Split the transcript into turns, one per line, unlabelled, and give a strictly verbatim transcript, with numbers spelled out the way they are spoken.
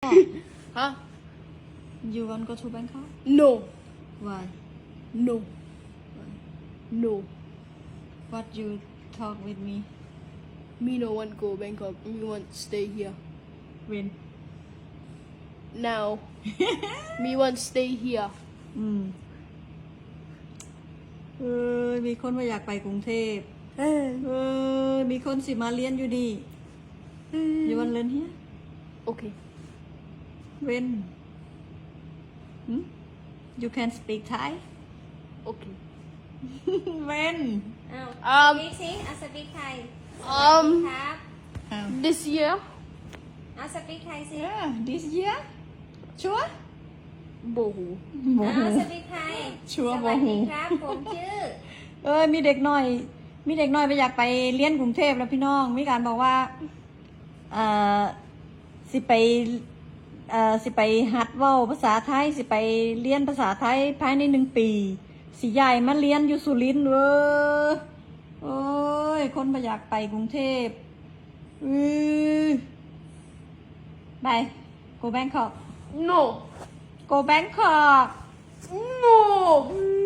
Huh?
You want go to Bangkok?
No.
Why?
No. No.
What you talk with me?
Me no want go Bangkok. Me want stay here.
When?
Now. Me want stay here.
อืมเออมีคนมาอยากไปกรุงเทพ
เออ
เออมีคนสิมาเรียนอยู่นี่ You want learn here?
Okay.
When? Hmm? You can speak Thai?
Okay.
When?
อ้าว
Um.
บิ๊กซิเอาสปีกไทย
Um.
ครับ
Um,
This year.
เอาสปีกไทยสิ
yeah, this year? Sure?
Bohu.
เอาสปีกไทย
ชัวร์
สวัส
บ่ฮู้
ดีครับผมชื่อ
เออมีเด็กน้อย มีเด็กน้อยไปอยากไปเรียนกรุงเทพแล้วพี่น้อง มีการบอกว่าเอ่อสิไปเอ่อสิไปหัดเว้าภาษาไทย สิไปเรียนภาษาไทยภายในหนึ่งปี สิย้ายมาเรียนอยู่สุรินทร์เว้อโอ้ย คนไปอยากไปกรุงเทพอือไป go Bangkok
No.
go Bangkok
No.